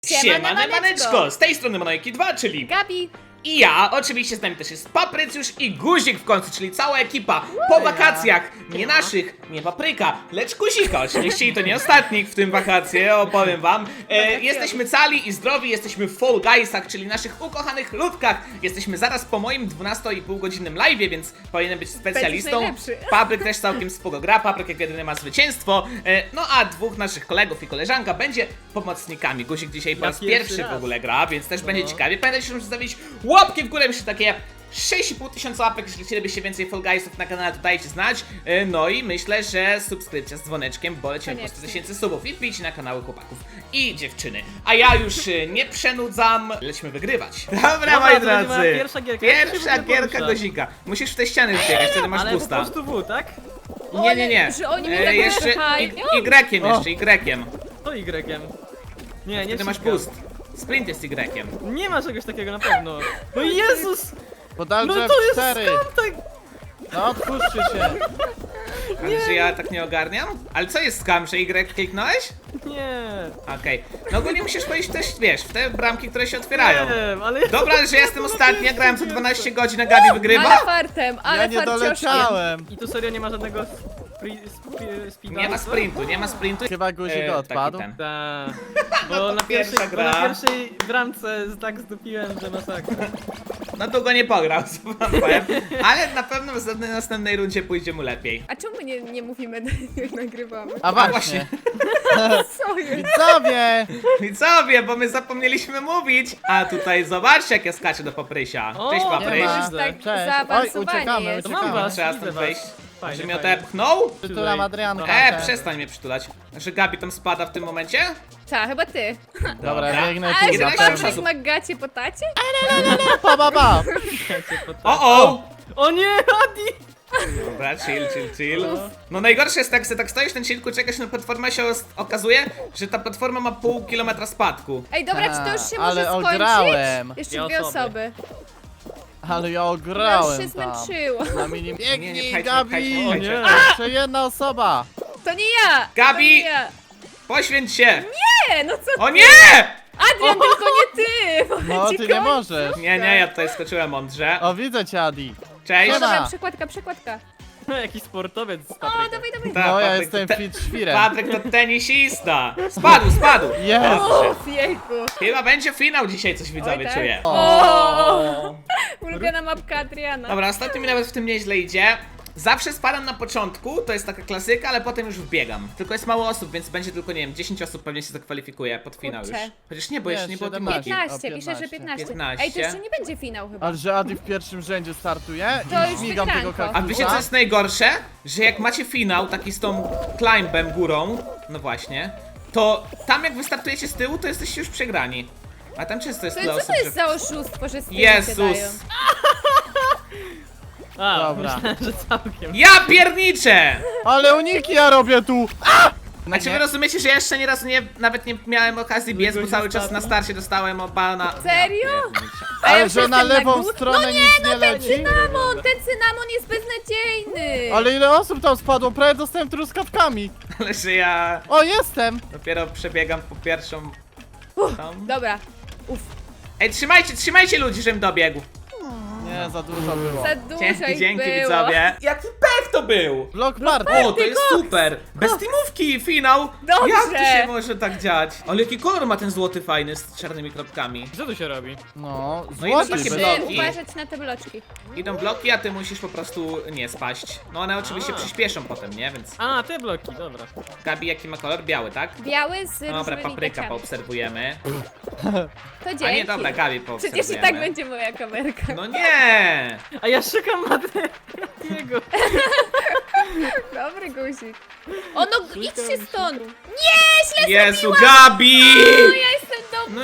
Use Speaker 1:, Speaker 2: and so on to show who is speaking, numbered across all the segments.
Speaker 1: Siema, maneczko! Z tej strony Manojki 2, czyli
Speaker 2: Gabi.
Speaker 1: i ja, oczywiście z nami też jest Paprycjusz i Guzik w końcu, czyli cała ekipa po wakacjach, nie naszych, nie Papryka, lecz Guzika. Oczywiście i to nie ostatnich w tym wakacje, opowiem wam. Jesteśmy cali i zdrowi, jesteśmy w Fall Guysach, czyli naszych ukochanych ludkach. Jesteśmy zaraz po moim 12,5 godzinnym live'ie, więc powinienem być specjalistą.
Speaker 2: najlepszy.
Speaker 1: Papryk też całkiem spoko gra, Papryk jak jedyny ma zwycięstwo. No a dwóch naszych kolegów i koleżanka będzie pomocnikami. Guzik dzisiaj po raz pierwszy w ogóle gra, więc też będzie ciekawie. Pamiętajcie, że musicie zostawić łapki w górę, myślę takie 6,5 tysiąca łapek, jeżeli chcielibyście więcej Fall Guysów na kanale, to dajcie znać. No i myślę, że subskrypcja z dzwoneczkiem, bo lecimy po 100 tysięcy subów i wbijcie na kanały chłopaków i dziewczyny. A ja już nie przenudzam, lecimy wygrywać. Dobra, moi
Speaker 3: to będzie moja
Speaker 1: drodzy,
Speaker 3: pierwsza gierka.
Speaker 1: pierwsza
Speaker 3: Jak się
Speaker 1: gierka
Speaker 3: porusza?
Speaker 1: Guzika. Musisz w te ściany wbiegać, wtedy masz
Speaker 3: Ale po
Speaker 1: boosta.
Speaker 3: prostu W, tak?
Speaker 1: Nie.
Speaker 2: Że oni mnie tak
Speaker 1: Jeszcze
Speaker 2: wypychają.
Speaker 1: Y-iem, jeszcze Y-iem.
Speaker 3: To Y-iem. Nie
Speaker 1: Wtedy masz
Speaker 3: wciskam.
Speaker 1: boost. Sprint jest Y-iem.
Speaker 3: Nie ma czegoś takiego na pewno. No Jezus!
Speaker 4: Podalże
Speaker 3: No to jest
Speaker 4: 4.
Speaker 3: skam tak!
Speaker 4: No otwórzcie się.
Speaker 1: Ale że ja tak nie ogarniam? Ale co jest skam, że Y kliknąłeś?
Speaker 3: Nie.
Speaker 1: Okej. No ogólnie musisz wejść też, wiesz, w te bramki, które się otwierają.
Speaker 3: Nie, ale...
Speaker 1: Dobra, że ja jestem ostatni, ja grałem co 12 godzin, a Gabi
Speaker 2: Ale
Speaker 1: wygrywa?
Speaker 2: fartem, ale
Speaker 4: Ja nie
Speaker 2: farcioszkiem.
Speaker 4: doleciałem.
Speaker 3: I tu serio nie ma żadnego speeda?
Speaker 1: Nie ma sprintu, nie ma sprintu.
Speaker 4: Chyba guzik
Speaker 1: Taki
Speaker 4: odpadł.
Speaker 1: ten.
Speaker 3: Ta. Bo na
Speaker 1: Pierwsza
Speaker 3: pierwszej,
Speaker 1: gra.
Speaker 3: bo na pierwszej bramce tak zdupiłem, że masakra.
Speaker 1: No długo nie pograł, co wam powiem. Ale na pewno w następnej rundzie pójdzie mu lepiej.
Speaker 2: A czemu nie mówimy, jak nagrywamy?
Speaker 4: A właśnie.
Speaker 2: Co jest?
Speaker 4: Widzowie!
Speaker 1: Widzowie, bo my zapomnieliśmy mówić. A tutaj zobaczcie, jak ja skaczę do Paprysia.
Speaker 3: O,
Speaker 1: Cześć
Speaker 3: nie
Speaker 1: Papryś.
Speaker 4: ma.
Speaker 2: Tak
Speaker 4: Cześć. Oj,
Speaker 2: zaawansowanie
Speaker 4: uciekamy,
Speaker 2: jest.
Speaker 3: To mam
Speaker 4: uciekamy.
Speaker 3: was,
Speaker 1: Trzeba
Speaker 3: widzę
Speaker 1: stąd
Speaker 3: was.
Speaker 1: wejść.
Speaker 3: Fajnie,
Speaker 1: Że mnie
Speaker 3: fajnie.
Speaker 1: odepchnął?
Speaker 4: Przytulam Adrianka.
Speaker 1: E, przestań mnie przytulać. Że Gabi tam spada w tym momencie?
Speaker 2: Ta, chyba ty.
Speaker 4: Dobra, biegnę
Speaker 2: Ale
Speaker 4: tu
Speaker 2: że
Speaker 4: na
Speaker 1: 11
Speaker 2: pan
Speaker 4: pewno.
Speaker 1: osób.
Speaker 2: jak magacie po tacie?
Speaker 4: Pa, pa, pa.
Speaker 1: O!
Speaker 3: O nie, Adi!
Speaker 1: Dobra, chill. No najgorsze jest tak, że tak stoisz na chillku, czekasz na platformę, się okazuje, że ta platforma ma pół kilometra spadku.
Speaker 2: Ej, dobra, czy to już się
Speaker 4: Ale
Speaker 2: może skończyć?
Speaker 4: ograłem.
Speaker 2: Jeszcze
Speaker 3: Dwie
Speaker 2: dwie
Speaker 3: osoby.
Speaker 2: osoby.
Speaker 4: Ale ja
Speaker 2: Ja już
Speaker 4: ograłem
Speaker 2: się
Speaker 4: tam.
Speaker 2: zmęczyła.
Speaker 4: Na minim...
Speaker 1: Nie,
Speaker 4: Biegnij,
Speaker 1: pchajcie,
Speaker 4: Gabi!
Speaker 1: pchajcie,
Speaker 3: O
Speaker 1: pchajcie.
Speaker 3: nie.
Speaker 4: Jeszcze jedna osoba.
Speaker 2: To nie ja!
Speaker 1: Gabi!
Speaker 2: To nie ja.
Speaker 1: Poświęć się!
Speaker 2: Nie, no co?
Speaker 1: O nie!
Speaker 2: Adrian, tylko nie ty! bo
Speaker 4: No,
Speaker 2: będzie
Speaker 4: ty nie
Speaker 2: końcu.
Speaker 4: możesz.
Speaker 1: Nie, ja tutaj skoczyłem mądrze.
Speaker 4: O, widzę cię, Adi.
Speaker 1: Cześć!
Speaker 2: O,
Speaker 4: Siema.
Speaker 2: dobra, przekładka.
Speaker 3: No, jakiś sportowiec z
Speaker 2: O,
Speaker 3: Papryka.
Speaker 2: dawaj.
Speaker 1: Ta,
Speaker 4: No, ja
Speaker 1: Patryk
Speaker 4: jestem
Speaker 1: to
Speaker 4: fit świrem.
Speaker 1: Patryk to tenisista! Spadł!
Speaker 4: Jest.
Speaker 1: Dobrze.
Speaker 2: Uff, jejku.
Speaker 1: Chyba będzie finał dzisiaj, coś widzowie
Speaker 2: Oj, tak?
Speaker 1: czuję.
Speaker 2: O! Ulubiona mapka Adriana.
Speaker 1: Dobra, ostatnio mi nawet w tym nieźle idzie. Zawsze spadam na początku, to jest taka klasyka, ale potem już wbiegam. Tylko jest mało osób, więc będzie tylko, nie wiem, 10 osób pewnie się zakwalifikuje pod finał już.
Speaker 2: Kurczę.
Speaker 1: Chociaż nie, bo
Speaker 4: Nie,
Speaker 1: jeszcze nie było tym
Speaker 4: 17.
Speaker 1: magii.
Speaker 2: 15,
Speaker 4: O,
Speaker 2: pisze, że
Speaker 4: 15.
Speaker 2: 15. Ej, to jeszcze nie będzie finał chyba.
Speaker 4: Ale że Adi w pierwszym rzędzie startuje
Speaker 2: To
Speaker 4: i
Speaker 2: już
Speaker 4: śmigam
Speaker 2: wygranko.
Speaker 4: tego
Speaker 1: A
Speaker 4: kaktusa.
Speaker 1: wiecie co jest najgorsze? Że jak macie finał, taki z tą climbem górą, no właśnie, to tam jak wystartujecie z tyłu, to jesteście już przegrani. A tam często jest tyle
Speaker 2: Co
Speaker 1: osób,
Speaker 2: to jest
Speaker 1: że...
Speaker 2: za oszustwo, że z tyłu się dają?
Speaker 1: Jezus!
Speaker 3: A,
Speaker 4: Dobra.
Speaker 3: myślałem, że całkiem.
Speaker 1: Ja pierniczę!
Speaker 4: Ale uniki ja robię tu!
Speaker 1: A czy wy rozumiecie, że ja jeszcze nie raz nawet nie miałem okazji biec, bo
Speaker 3: Byłeś
Speaker 1: cały czas
Speaker 3: ostatni?
Speaker 1: na starcie dostałem obana.
Speaker 2: Serio? A
Speaker 4: Ale
Speaker 2: ja
Speaker 4: że na
Speaker 2: jestem na
Speaker 4: lewą
Speaker 2: górze?
Speaker 4: stronę
Speaker 2: No nie,
Speaker 4: nic
Speaker 2: no
Speaker 4: nie
Speaker 2: ten
Speaker 4: leci.
Speaker 2: cynamon jest beznadziejny.
Speaker 4: Ale ile osób tam spadło? Prawie dostałem truskawkami.
Speaker 1: Ale że ja
Speaker 4: O, jestem!
Speaker 1: dopiero przebiegam po pierwszą. Tam.
Speaker 2: Dobra. Uff,
Speaker 1: Ej, trzymajcie ludzi, żebym dobiegł.
Speaker 4: Nie, za dużo było.
Speaker 2: za dużo
Speaker 1: Dzięki,
Speaker 2: ich
Speaker 1: dzięki
Speaker 2: było.
Speaker 1: widzowie. Jaki pech to był!
Speaker 4: Block party.
Speaker 1: O, to jest super! Bez teamówki, finał!
Speaker 2: Dobrze.
Speaker 1: Jak to się może tak dziać? Ale jaki kolor ma ten złoty fajny z czarnymi kropkami?
Speaker 3: Co tu się robi?
Speaker 4: No,
Speaker 1: No i
Speaker 4: złoty
Speaker 1: takie
Speaker 4: bez...
Speaker 1: bloki.
Speaker 2: Musimy uważać na te bloczki.
Speaker 1: Idą bloki, a ty musisz po prostu nie spaść. No one oczywiście
Speaker 3: A.
Speaker 1: przyspieszą potem, nie? Więc
Speaker 3: A, te bloki, dobra.
Speaker 1: Gabi, jaki ma kolor? Biały, tak?
Speaker 2: Biały z
Speaker 1: Dobra,
Speaker 2: różnymi
Speaker 1: papryka
Speaker 2: literkami.
Speaker 1: poobserwujemy.
Speaker 2: To dzięki.
Speaker 1: A nie, dobra, Gabi
Speaker 2: Przecież
Speaker 1: poobserwujemy.
Speaker 2: i tak będzie moja kamerka.
Speaker 1: No nie!
Speaker 3: A ja szukam Matiego.
Speaker 2: Dobry guzik. O no, idźcie stąd. Nie, źle
Speaker 1: Jezu,
Speaker 2: zrobiłam.
Speaker 1: Gabi!
Speaker 2: No, ja jestem do
Speaker 1: No nie, no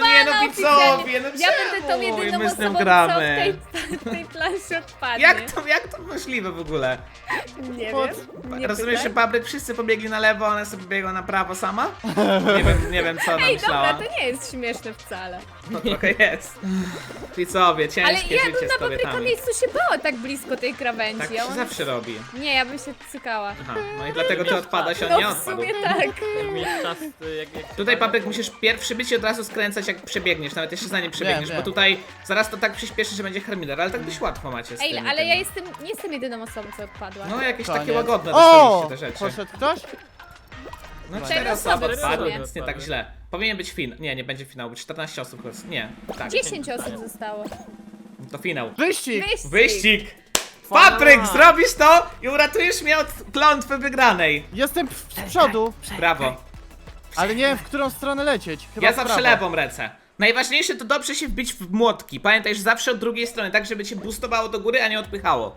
Speaker 1: widzowie, no
Speaker 2: Ja będę tą
Speaker 1: czemu
Speaker 2: jedyną
Speaker 1: my z nią
Speaker 2: osobą,
Speaker 1: gramy?
Speaker 2: co w tej planszy odpadnie.
Speaker 1: Jak to możliwe w ogóle?
Speaker 2: Nie
Speaker 4: Pod-
Speaker 2: wiem. Nie
Speaker 1: Rozumiesz, że
Speaker 2: pytaj.
Speaker 1: Papryk wszyscy pobiegli na lewo, a ona sobie biegła na prawo sama? Nie wiem co ona
Speaker 2: Ej,
Speaker 1: myślała.
Speaker 2: dobra, to nie jest śmieszne wcale.
Speaker 1: No trochę jest. Widzowie,
Speaker 2: Ale
Speaker 1: ciężkie
Speaker 2: ja
Speaker 1: życie
Speaker 2: bym
Speaker 1: z
Speaker 2: na Papryka
Speaker 1: kobietami.
Speaker 2: miejscu się bała tak blisko tej krawędzi.
Speaker 1: Tak
Speaker 2: a
Speaker 1: się
Speaker 2: on-
Speaker 1: zawsze robi.
Speaker 2: Nie, ja bym się cykała.
Speaker 1: Aha, no i dlatego ty odpadasz, a on nie
Speaker 2: No w
Speaker 1: odpadł.
Speaker 2: sumie tak.
Speaker 3: Mieć czas, jak
Speaker 1: Tutaj, Papryk, musisz pierwszy być i od razu skręcać, jak przebiegniesz, nawet jeszcze zanim przebiegniesz,
Speaker 4: Wiem,
Speaker 1: bo
Speaker 4: wiem.
Speaker 1: tutaj zaraz to tak przyspieszy, że będzie Hermidor, ale tak dość łatwo macie z
Speaker 2: Ej,
Speaker 1: tymi,
Speaker 2: ale
Speaker 1: tymi.
Speaker 2: ja nie jestem jedyną osobą, co odpadła.
Speaker 1: No jakieś
Speaker 4: Koniec.
Speaker 1: takie łagodne
Speaker 4: O!
Speaker 1: dostaliście te rzeczy.
Speaker 4: Poszedł ktoś?
Speaker 1: No
Speaker 2: Cztery
Speaker 1: 4 osoby
Speaker 2: osoby
Speaker 1: odpadły,
Speaker 2: w sumie.
Speaker 1: więc nie tak źle. Powinien być fin. Nie będzie finału, 14 osób chyba. Nie, tak.
Speaker 2: 10 osób zostało.
Speaker 1: To finał.
Speaker 4: Wyścig!
Speaker 1: Wyścig! Papryk, zrobisz to i uratujesz mnie od klątwy wygranej.
Speaker 4: Jestem z przodu,
Speaker 1: Brawo.
Speaker 4: ale nie wiem w którą stronę lecieć. Chyba
Speaker 1: Ja
Speaker 4: w
Speaker 1: zawsze
Speaker 4: prawo.
Speaker 1: lewą lecę. Najważniejsze to dobrze się wbić w młotki. Pamiętaj, że zawsze od drugiej strony, tak żeby cię boostowało do góry, a nie odpychało.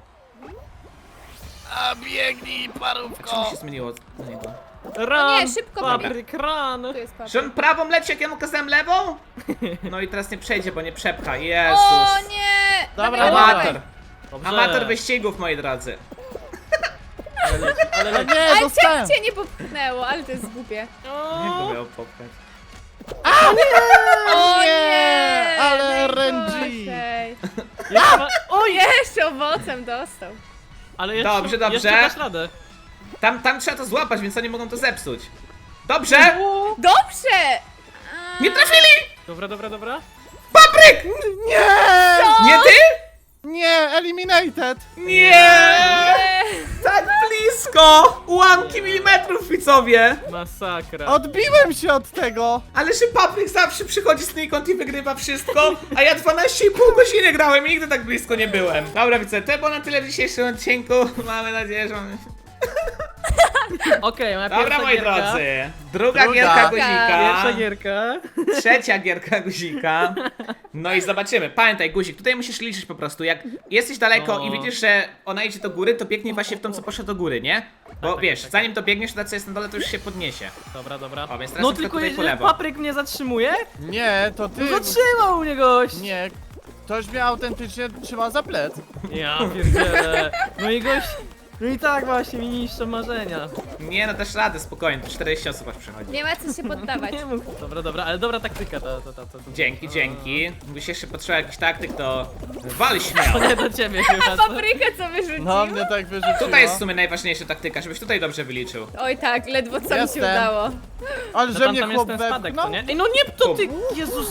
Speaker 4: A biegnij,
Speaker 1: Czemu
Speaker 4: parówko!
Speaker 1: się zmieniło na niego?
Speaker 3: Ran!
Speaker 2: nie, szybko
Speaker 3: Papryk, ran!
Speaker 2: Tu jest Papryk.
Speaker 1: Że on prawą leci, jak ja mu kazałem lewą? No i teraz nie przejdzie, bo nie przepcha.
Speaker 2: O
Speaker 1: Jezus.
Speaker 2: nie!
Speaker 4: Dobra,
Speaker 2: Dawaj,
Speaker 4: dobra.
Speaker 2: dawaj.
Speaker 1: Amator.
Speaker 3: Dobrze.
Speaker 1: Amator wyścigów, moi drodzy.
Speaker 3: Ale
Speaker 4: Ale
Speaker 3: leci.
Speaker 4: nie,
Speaker 2: Ale
Speaker 4: dostałem!
Speaker 2: cię nie popchnęło, ale to jest głupie.
Speaker 1: Jak to miał popchać?
Speaker 2: O
Speaker 4: Nie,
Speaker 2: nie!
Speaker 4: ale
Speaker 2: najgorzej.
Speaker 3: Jeszcze ma...
Speaker 2: O, jeszcze owocem dostał.
Speaker 3: Ale jeszcze,
Speaker 1: Dobrze, dobrze.
Speaker 3: Jeszcze dasz radę.
Speaker 1: Tam trzeba to złapać, więc oni mogą to zepsuć. Dobrze!
Speaker 2: Dobrze!
Speaker 1: Nie trafili!
Speaker 3: Dobra, dobra, dobra.
Speaker 1: Papryk!
Speaker 4: Nie!
Speaker 1: Nie ty?
Speaker 4: Nie, eliminated!
Speaker 1: Nie! Tak blisko! Ułamki milimetrów, widzowie!
Speaker 3: Masakra.
Speaker 4: Odbiłem się od tego!
Speaker 1: Ale że Papryk zawsze przychodzi znikąd i wygrywa wszystko, a ja 12,5 godziny grałem i nigdy tak blisko nie byłem. Dobra, widzę, to było na tyle w dzisiejszym odcinku. Mamy nadzieję, że mamy...
Speaker 3: Okej, moja
Speaker 1: Dobra,
Speaker 3: pierwsza
Speaker 1: moi
Speaker 3: gierka.
Speaker 1: drodzy. Druga
Speaker 4: Druga.
Speaker 1: gierka guzika.
Speaker 3: Pierwsza gierka.
Speaker 1: Trzecia gierka guzika. No i zobaczymy. Pamiętaj, guzik, tutaj musisz liczyć po prostu. Jak jesteś daleko
Speaker 3: No.
Speaker 1: i widzisz, że ona idzie do góry, to biegnij właśnie w tą, co poszła do góry, nie? Bo
Speaker 3: tak,
Speaker 1: wiesz,
Speaker 3: tak.
Speaker 1: zanim to biegniesz, to ta, co jest na dole, to już się podniesie.
Speaker 3: Dobra, dobra.
Speaker 1: O, więc teraz
Speaker 3: No
Speaker 1: na przykład
Speaker 3: tylko
Speaker 1: tutaj po
Speaker 3: jeżeli
Speaker 1: lewo.
Speaker 3: Papryk mnie zatrzymuje,
Speaker 4: Nie, to ty...
Speaker 3: to zatrzymał mnie gość!
Speaker 4: Nie, ktoś mnie autentycznie trzyma za plec.
Speaker 3: Ja pierdzielę. No i gość... No i tak właśnie mi niszczą marzenia.
Speaker 1: Nie, no też radę, spokojnie, to 40 osób aż przychodzi.
Speaker 2: Nie ma co się poddawać.
Speaker 3: Nie mów. Dobra, dobra, ale dobra taktyka to.
Speaker 1: Dzięki, dzięki. Gdybyś jeszcze potrzebował jakiś taktyk, to wal śmiało.
Speaker 3: To nie do ciebie chyba. co?
Speaker 2: Paprykę co wyrzucił?
Speaker 4: No, mnie tak wyrzuciło.
Speaker 1: Tutaj jest w sumie najważniejsza taktyka, żebyś tutaj dobrze wyliczył.
Speaker 2: Oj tak, ledwo co mi
Speaker 4: Jestem.
Speaker 2: się udało.
Speaker 4: Ale
Speaker 3: No
Speaker 4: że
Speaker 3: tam,
Speaker 4: mnie
Speaker 3: tam jest
Speaker 4: chłop
Speaker 3: ten spadek, co
Speaker 4: wepchnął?
Speaker 3: nie? Ej, no nie, to ty! Jezus!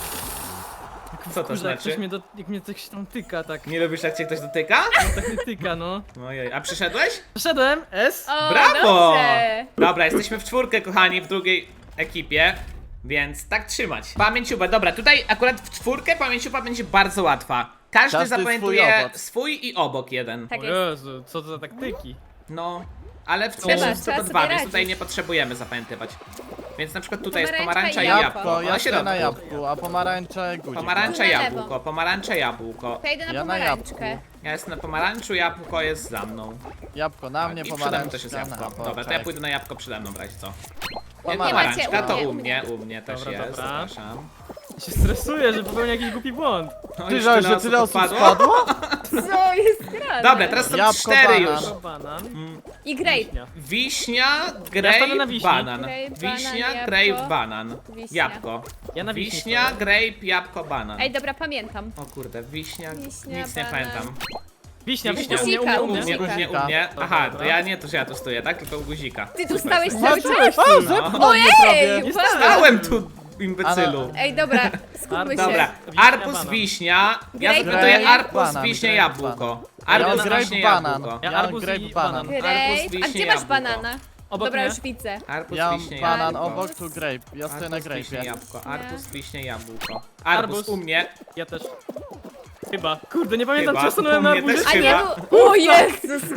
Speaker 1: Co to
Speaker 3: Kurde, jak ktoś
Speaker 1: znaczy?
Speaker 3: mnie jak mnie coś tam tyka, tak.
Speaker 1: Nie lubisz, jak cię ktoś dotyka?
Speaker 3: Tak mnie tyka, no.
Speaker 1: Ojej, a przyszedłeś?
Speaker 3: Przeszedłem, S.
Speaker 2: O,
Speaker 1: Brawo!
Speaker 2: dobrze.
Speaker 1: Dobra, jesteśmy w czwórkę, kochani, w drugiej ekipie. Więc tak trzymać. Pamięciuba, dobra, tutaj akurat w czwórkę pamięciuba będzie bardzo łatwa. Każdy
Speaker 4: Każdy
Speaker 1: zapamiętuje
Speaker 4: swój obok.
Speaker 1: swój i obok jeden.
Speaker 2: Tak
Speaker 3: O
Speaker 2: jest.
Speaker 3: Jezu, co to za taktyki?
Speaker 1: No, ale w
Speaker 2: Trzeba,
Speaker 1: pierwszym jest
Speaker 2: trzeba
Speaker 1: tylko
Speaker 2: sobie
Speaker 1: dwa, więc
Speaker 2: radzić.
Speaker 1: tutaj nie potrzebujemy zapamiętywać. Więc na przykład tutaj jest
Speaker 2: Pomarańcza
Speaker 1: pomarańcza
Speaker 2: i
Speaker 1: i
Speaker 2: jabłko.
Speaker 1: jabłko.
Speaker 4: Ja
Speaker 1: Na
Speaker 4: stoję na
Speaker 1: środku.
Speaker 4: jabłku, a pomarańcze guzik.
Speaker 1: Pomarańcza,
Speaker 2: Na lewo.
Speaker 1: jabłko, pomarańcza, jabłko.
Speaker 2: Ja idę na
Speaker 4: Ja na
Speaker 2: pomarańczkę.
Speaker 4: jabłku.
Speaker 1: Ja jestem na pomarańczu, jabłko jest za mną.
Speaker 4: Jabłko na mnie,
Speaker 1: I przede mną
Speaker 4: pomarańczka
Speaker 1: też jest
Speaker 4: na
Speaker 1: jabłko.
Speaker 4: boczek.
Speaker 1: Dobra, to ja pójdę na jabłko przede mną w razie co.
Speaker 4: Pomarańczka.
Speaker 1: Pomarańczka to
Speaker 2: u
Speaker 1: u
Speaker 2: mnie,
Speaker 1: mnie też
Speaker 3: Dobra,
Speaker 1: jest,
Speaker 3: dobra.
Speaker 1: zapraszam.
Speaker 3: Ja się stresuję, że popełnię jakiś głupi błąd.
Speaker 1: No,
Speaker 4: Ty
Speaker 1: już
Speaker 4: żal, że tyle osób
Speaker 1: odpadło.
Speaker 4: spadło?
Speaker 2: Co jest grane?
Speaker 1: Dobra, teraz są
Speaker 4: Jabłko,
Speaker 1: 4
Speaker 4: banan.
Speaker 1: już.
Speaker 3: O, banan.
Speaker 2: I grape.
Speaker 3: Wiśnia.
Speaker 1: Wiśnia,
Speaker 3: Ja stanę na
Speaker 1: grape,
Speaker 3: wiśni.
Speaker 1: banan.
Speaker 2: Grape,
Speaker 1: Wiśnia,
Speaker 2: banan,
Speaker 1: grape,
Speaker 2: jabłko.
Speaker 1: banan.
Speaker 2: Wiśnia.
Speaker 1: Jabłko.
Speaker 3: Ja na wiśni
Speaker 1: Wiśnia,
Speaker 3: stoję.
Speaker 1: grape, jabłko, banan.
Speaker 2: Ej, dobra, pamiętam.
Speaker 1: O kurde, wiśnia,
Speaker 2: Wiśnia,
Speaker 1: nic nie
Speaker 2: banan.
Speaker 1: pamiętam.
Speaker 3: Wiśnia,
Speaker 1: Wiśnia.
Speaker 3: u mnie,
Speaker 2: Guzika,
Speaker 3: u mnie.
Speaker 1: U mnie,
Speaker 2: Guzika.
Speaker 1: u mnie. Aha, to
Speaker 3: Dobra.
Speaker 1: ja nie to, że ja tu stoję, tak? Tylko u guzika.
Speaker 2: Ty tu
Speaker 1: Super.
Speaker 2: stałeś cały czas?
Speaker 4: O, zepchnął mnie prawie.
Speaker 2: Ojej!
Speaker 1: Stałem tu, imbecylu.
Speaker 2: Ej, dobra, skupmy się.
Speaker 1: Dobra,
Speaker 3: Wiśnia,
Speaker 1: arbuz,
Speaker 3: banan.
Speaker 1: wiśnia. Ja
Speaker 2: Grape,
Speaker 1: zapytuję
Speaker 2: banan.
Speaker 1: arbuz,
Speaker 4: Banan,
Speaker 1: wiśnia,
Speaker 4: grape,
Speaker 1: jabłko.
Speaker 4: Ja mam
Speaker 1: Arbuz,
Speaker 4: grape,
Speaker 1: wiśnia,
Speaker 4: banan.
Speaker 1: jabłko.
Speaker 3: Ja
Speaker 4: Ja mam
Speaker 3: arbuz
Speaker 4: grape,
Speaker 3: i
Speaker 4: banan.
Speaker 3: banan.
Speaker 2: Grape.
Speaker 1: Arbuz,
Speaker 2: A
Speaker 1: wiśnie,
Speaker 2: gdzie masz
Speaker 1: jabłko.
Speaker 2: banana?
Speaker 3: Obok
Speaker 2: Dobra,
Speaker 3: mnie.
Speaker 2: już widzę.
Speaker 1: Arbuz,
Speaker 4: Ja mam
Speaker 1: wiśnie,
Speaker 4: banan,
Speaker 1: jabłko.
Speaker 4: obok tu grape. Ja stoję na
Speaker 1: Arbuz, wiśnie,
Speaker 4: grape'ie.
Speaker 1: jabłko. Arbuz, wiśnie, jabłko.
Speaker 3: Arbuz.
Speaker 1: Arbuz u mnie.
Speaker 3: Ja też. Chyba. Kurde, nie pamiętam,
Speaker 1: Chyba.
Speaker 3: czy stanąłem
Speaker 1: U
Speaker 3: na
Speaker 1: mnie
Speaker 3: arbuzie.
Speaker 1: też
Speaker 2: A nie,
Speaker 1: Chyba.
Speaker 2: o Jezus!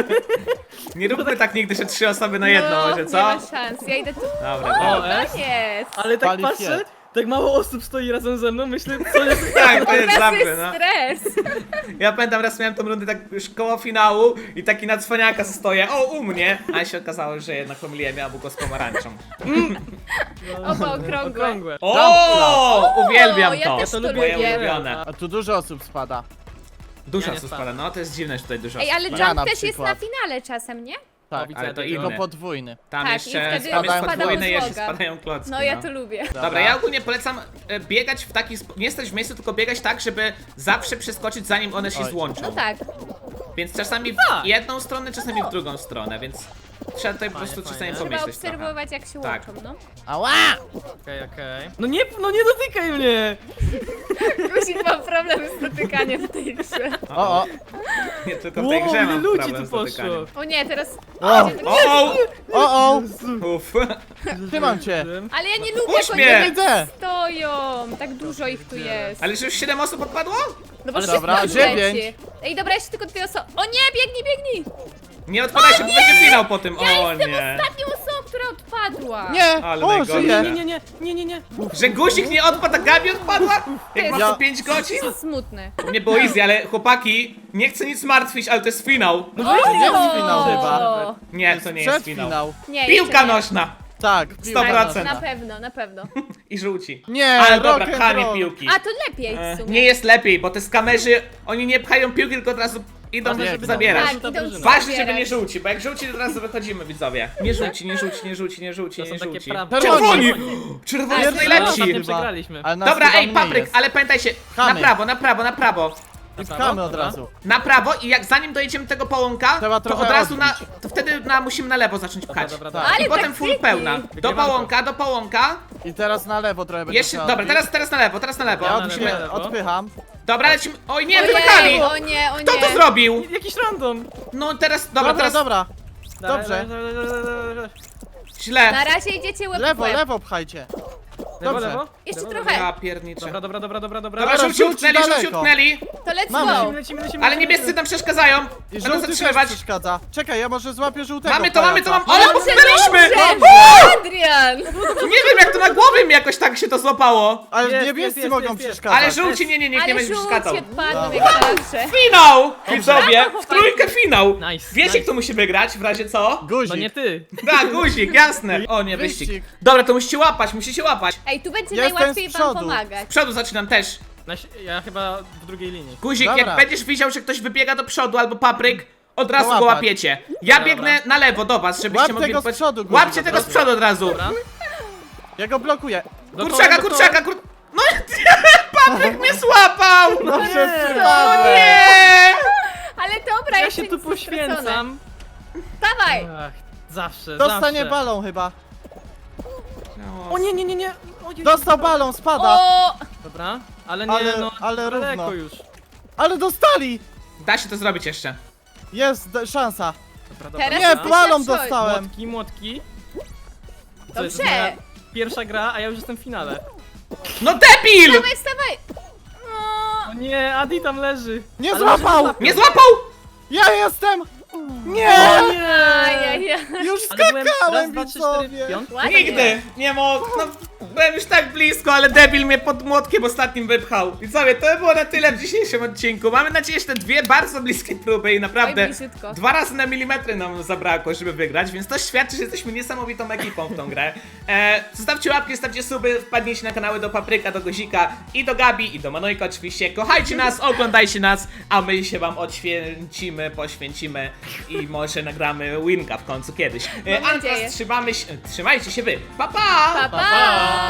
Speaker 1: Nie róbmy tak nigdy, że 3 osoby na jedno,
Speaker 2: No,
Speaker 1: może
Speaker 2: nie
Speaker 1: co?
Speaker 2: ma szans, ja idę tu.
Speaker 1: Dobra,
Speaker 3: O,
Speaker 1: dobra.
Speaker 3: S.
Speaker 2: Jest!
Speaker 3: Ale tak
Speaker 4: Pali
Speaker 3: patrzę, Tak mało osób stoi razem ze mną, myślę, co jest...
Speaker 1: Tak, to jest
Speaker 2: Teraz
Speaker 1: zamknę,
Speaker 2: jest
Speaker 1: no.
Speaker 2: stres.
Speaker 1: Ja pamiętam, raz miałem tą rundę tak już koło finału i taki na cwaniaka stoję, o, u mnie, a się okazało, że jednak pomyliłem jabłko z pomarańczą.
Speaker 2: Oba okrągłe.
Speaker 3: Okrągłe.
Speaker 1: O, uwielbiam
Speaker 2: O, ja
Speaker 1: to.
Speaker 2: też to
Speaker 1: Moje
Speaker 2: lubię.
Speaker 1: ulubione.
Speaker 4: A tu dużo osób spada.
Speaker 1: Dużo
Speaker 3: Ja nie
Speaker 1: co
Speaker 3: spadam.
Speaker 1: spada, no to jest dziwne, że tutaj dużo
Speaker 2: Ej, ale
Speaker 1: spada.
Speaker 4: Ja na
Speaker 2: jump też jest
Speaker 4: przykład.
Speaker 2: na finale czasem, nie?
Speaker 4: Tak,
Speaker 3: widzę
Speaker 1: ale to
Speaker 3: tego.
Speaker 1: inny.
Speaker 4: tylko podwójny.
Speaker 1: Tam
Speaker 2: Tak, i
Speaker 1: jeszcze
Speaker 2: wtedy
Speaker 1: tam jest
Speaker 4: spadają
Speaker 1: podwójny, jeszcze
Speaker 2: złoga.
Speaker 1: spadają klocki.
Speaker 2: No ja to lubię.
Speaker 1: Dobra, ja ogólnie polecam biegać w taki sposób, nie stać w miejscu, tylko biegać tak, żeby zawsze przeskoczyć zanim one się
Speaker 4: Oj.
Speaker 1: złączą.
Speaker 2: No tak.
Speaker 1: Więc czasami w
Speaker 3: Tak.
Speaker 1: jedną stronę, czasami w drugą stronę, więc trzeba tutaj po
Speaker 3: Fajnie,
Speaker 1: prostu czasami
Speaker 3: fajnie.
Speaker 2: Trzeba
Speaker 1: pomyśleć trochę.
Speaker 2: obserwować jak się
Speaker 1: Tak.
Speaker 2: łączą, no.
Speaker 4: Ała!
Speaker 3: Okej. No nie dotykaj mnie!
Speaker 2: Guzik ma problem z dotykaniem w tej grze.
Speaker 4: O, o!
Speaker 1: Nie tylko w tej grze
Speaker 3: ile
Speaker 1: mam
Speaker 3: ludzi
Speaker 1: problem
Speaker 3: tu
Speaker 1: z dotykaniem.
Speaker 3: poszło!
Speaker 2: O nie, teraz...
Speaker 4: O!
Speaker 1: O!
Speaker 4: O!
Speaker 1: Uff.
Speaker 4: Trzymam cię!
Speaker 2: Ale ja nie lubię,
Speaker 1: Puść
Speaker 2: jak
Speaker 1: mnie!
Speaker 2: oni
Speaker 4: Widzę!
Speaker 2: stoją. Tak dużo ich tu jest.
Speaker 1: Ale że już 7 osób odpadło?
Speaker 2: No bo
Speaker 3: Ale
Speaker 2: szybko
Speaker 4: dobra,
Speaker 2: leci.
Speaker 4: 9.
Speaker 2: Ej, dobra, jeszcze tylko 2 osoby. O nie, biegnij!
Speaker 1: Nie odpadaj się, bo będzie finał po tym. O
Speaker 2: Jestem
Speaker 1: nie.
Speaker 2: ostatnią osobą, która odpadła.
Speaker 4: Nie!
Speaker 1: Ale
Speaker 4: O,
Speaker 1: najgorsze.
Speaker 4: żyję!
Speaker 3: Nie.
Speaker 1: Że guzik nie odpadł, a Gabi odpadła? Jak masz
Speaker 4: Ja-
Speaker 1: tu 5 godzin?
Speaker 2: To jest smutne.
Speaker 1: U mnie było easy, ale chłopaki, nie chcę nic martwić, ale to jest finał.
Speaker 4: To jest finał chyba.
Speaker 1: Nie, to nie jest finał.
Speaker 4: Przedfinał.
Speaker 2: Nie,
Speaker 1: Piłka
Speaker 2: jeszcze nie.
Speaker 1: nośna
Speaker 4: Tak,
Speaker 1: 100%.
Speaker 2: Na pewno, na pewno.
Speaker 1: i żółci.
Speaker 4: Nie,
Speaker 1: Ale dobra,
Speaker 4: rock and
Speaker 1: pchanie
Speaker 4: roll.
Speaker 1: piłki.
Speaker 2: A to lepiej w sumie.
Speaker 1: Nie jest lepiej, bo te skamerzy, oni nie pchają piłki, tylko od razu idą
Speaker 4: Ważne, żeby
Speaker 1: zabierać.
Speaker 2: Tak,
Speaker 3: Ta
Speaker 2: idą
Speaker 3: drużyna.
Speaker 1: Ważne, żeby
Speaker 2: zabierać.
Speaker 1: nie żółci, bo jak żółci, to teraz wychodzimy, widzowie. Nie żółci, nie żółci, nie żółci, nie żółci,
Speaker 3: To
Speaker 1: nie
Speaker 3: są takie
Speaker 1: żółci.
Speaker 3: prawe.
Speaker 1: Czerwoni!
Speaker 2: Czerwoni.
Speaker 1: Czerwoni
Speaker 2: Tak,
Speaker 1: jest
Speaker 2: czerwoni.
Speaker 1: najlepsi!
Speaker 3: Ostatnio
Speaker 4: Chyba.
Speaker 3: przegraliśmy.
Speaker 4: Ale nas
Speaker 1: Dobra,
Speaker 4: chyba
Speaker 1: ej,
Speaker 4: mniej
Speaker 1: papryk,
Speaker 4: jest.
Speaker 1: ale pamiętajcie, na
Speaker 4: Pchamy.
Speaker 1: prawo, na prawo, na prawo.
Speaker 4: I pchamy od razu.
Speaker 1: Na prawo i jak zanim dojedziemy do tego połąka,
Speaker 4: Trzeba
Speaker 1: to
Speaker 4: trochę
Speaker 1: od razu
Speaker 4: odbić.
Speaker 1: to wtedy musimy na lewo zacząć pchać.
Speaker 3: Dobra.
Speaker 4: Tak.
Speaker 1: I
Speaker 2: Ale
Speaker 1: potem full
Speaker 2: taktyki.
Speaker 1: pełna. Do
Speaker 3: Wygrywanko.
Speaker 1: połąka.
Speaker 4: I teraz na lewo trochę będzie
Speaker 1: Jeszcze,
Speaker 4: trzeba
Speaker 1: dobra,
Speaker 4: odbić.
Speaker 1: teraz na lewo, teraz na lewo.
Speaker 4: Ja
Speaker 3: na
Speaker 1: Musimy,
Speaker 3: lewo.
Speaker 4: odpycham.
Speaker 1: dobra, lecimy. Oj nie,
Speaker 2: Ojej,
Speaker 1: wymykali!
Speaker 2: o nie, o nie.
Speaker 1: Kto to zrobił?
Speaker 3: Jakiś random!
Speaker 1: No teraz, dobra, teraz
Speaker 4: Dobra. Dobrze.
Speaker 1: źle.
Speaker 2: Na razie idziecie łeb w
Speaker 4: Lewo,
Speaker 2: łeb.
Speaker 4: lewo pchajcie.
Speaker 3: Lewo,
Speaker 4: Dobrze.
Speaker 3: lewo?
Speaker 2: Jeszcze
Speaker 3: Lewo,
Speaker 2: trochę.
Speaker 1: Ja pierniczę.
Speaker 3: Dobra.
Speaker 1: Dobra,
Speaker 4: żółci
Speaker 1: żółci utknęli, żółci
Speaker 4: daleko.
Speaker 1: utknęli.
Speaker 2: To let's
Speaker 4: Mamy.
Speaker 2: go.
Speaker 3: Lecimy.
Speaker 1: Ale niebiescy nam przeszkadzają.
Speaker 4: I
Speaker 1: Będą
Speaker 4: żółty też
Speaker 1: zatrzymywać.
Speaker 4: przeszkadza. Czekaj, ja może złapię żółtego.
Speaker 1: Mamy to,
Speaker 4: pajaca.
Speaker 1: ale
Speaker 2: Dobrze,
Speaker 1: utknęliśmy!
Speaker 2: dobrze. Adrian!
Speaker 1: Nie wiem jak to na głowie mi jakoś tak się to złapało.
Speaker 4: Ale
Speaker 3: Jest,
Speaker 4: niebiescy
Speaker 3: jest,
Speaker 4: mogą
Speaker 3: jest, jest.
Speaker 4: przeszkadzać.
Speaker 1: Ale żółci nie
Speaker 2: Ale
Speaker 1: będzie przeszkadzał.
Speaker 2: żółcie odpadną
Speaker 4: Dobra.
Speaker 2: jak zawsze.
Speaker 1: Finał! Widzowie, w
Speaker 2: chłopaki.
Speaker 1: trójkę finał.
Speaker 3: Nice,
Speaker 1: Wiecie
Speaker 3: nice.
Speaker 1: kto musi wygrać w razie co?
Speaker 4: Guzik.
Speaker 3: No nie ty!
Speaker 1: Tak, guzik, jasne. O nie, wyścig.
Speaker 4: Wyścig.
Speaker 1: Dobra, to musicie łapać.
Speaker 2: Ej, tu będzie
Speaker 4: Jestem
Speaker 2: najłatwiej
Speaker 4: z
Speaker 2: wam
Speaker 4: przodu.
Speaker 2: pomagać.
Speaker 1: Z przodu zaczynam też.
Speaker 3: Ja chyba w drugiej linii.
Speaker 1: Guzik,
Speaker 4: Dobra.
Speaker 1: jak będziesz widział, że ktoś wybiega do przodu albo papryk, od razu go
Speaker 4: łapać.
Speaker 1: łapiecie. Ja
Speaker 3: Dobra.
Speaker 1: biegnę na lewo do was, żebyście
Speaker 4: Łap
Speaker 1: mogli...
Speaker 4: tego z przodu, guzik,
Speaker 1: Łapcie
Speaker 4: od
Speaker 1: tego z
Speaker 4: razu.
Speaker 1: przodu od razu.
Speaker 3: Dobra?
Speaker 4: Ja go blokuję.
Speaker 1: Kurczaka. No papryk mnie złapał!
Speaker 4: No przez
Speaker 1: O
Speaker 4: przypadek.
Speaker 1: nie!
Speaker 2: Ale dobra,
Speaker 3: Ja
Speaker 2: jeszcze
Speaker 3: się tu
Speaker 2: nic nie stracone.
Speaker 3: poświęcam.
Speaker 2: Dawaj!
Speaker 3: Ach, zawsze,
Speaker 4: Dostanie
Speaker 3: zawsze.
Speaker 4: balą chyba.
Speaker 3: O nie. Ojej.
Speaker 4: Dostał balą, spada.
Speaker 2: O!
Speaker 3: Dobra, ale nie,
Speaker 4: Ale-
Speaker 3: no,
Speaker 4: ale
Speaker 3: daleko
Speaker 4: równo.
Speaker 3: już.
Speaker 4: Ale dostali.
Speaker 1: Da się to zrobić jeszcze.
Speaker 4: Jest szansa.
Speaker 3: Dobra,
Speaker 2: Teraz
Speaker 4: Nie,
Speaker 2: jesteś
Speaker 4: balą
Speaker 2: na przodzie.
Speaker 4: dostałem.
Speaker 3: Młotki. Co,
Speaker 2: Dobrze.
Speaker 3: jest moja pierwsza gra, a ja już jestem w finale.
Speaker 1: No debil!
Speaker 2: Dawaj, wstawaj!
Speaker 3: O nie, Adi tam leży.
Speaker 4: Nie
Speaker 3: Ale
Speaker 4: złapał!
Speaker 3: może
Speaker 1: Nie złapał!
Speaker 4: Ja jestem! Nie!
Speaker 3: O nie!
Speaker 2: Ajajaj.
Speaker 4: Już
Speaker 3: Ale byłem raz,
Speaker 4: skakałem,
Speaker 3: dwa, trzy, cztery,
Speaker 4: widzowie!
Speaker 3: piąt.
Speaker 2: Ładnie.
Speaker 1: Nigdy! Nie mogę. No, byłem już tak blisko, ale debil mnie pod młotkiem ostatnim wypchał. I sobie, to było na tyle w dzisiejszym odcinku. Mamy nadzieję, że te dwie bardzo bliskie próby i naprawdę
Speaker 2: Oj, bliziutko.
Speaker 1: 2 razy na milimetry nam zabrakło, żeby wygrać, więc to świadczy, że jesteśmy niesamowitą ekipą w tą grę. Zostawcie łapki, zostawcie suby, wpadnijcie na kanały do Papryka, do Guzika i do Gabi i do Manojka oczywiście. Kochajcie nas, oglądajcie nas, a my się wam odświęcimy, poświęcimy i może nagramy winka w końcu kiedyś.
Speaker 2: Mam
Speaker 1: A
Speaker 2: nadzieję.
Speaker 1: teraz trzymajcie się wy. Pa, pa!
Speaker 2: Pa, pa!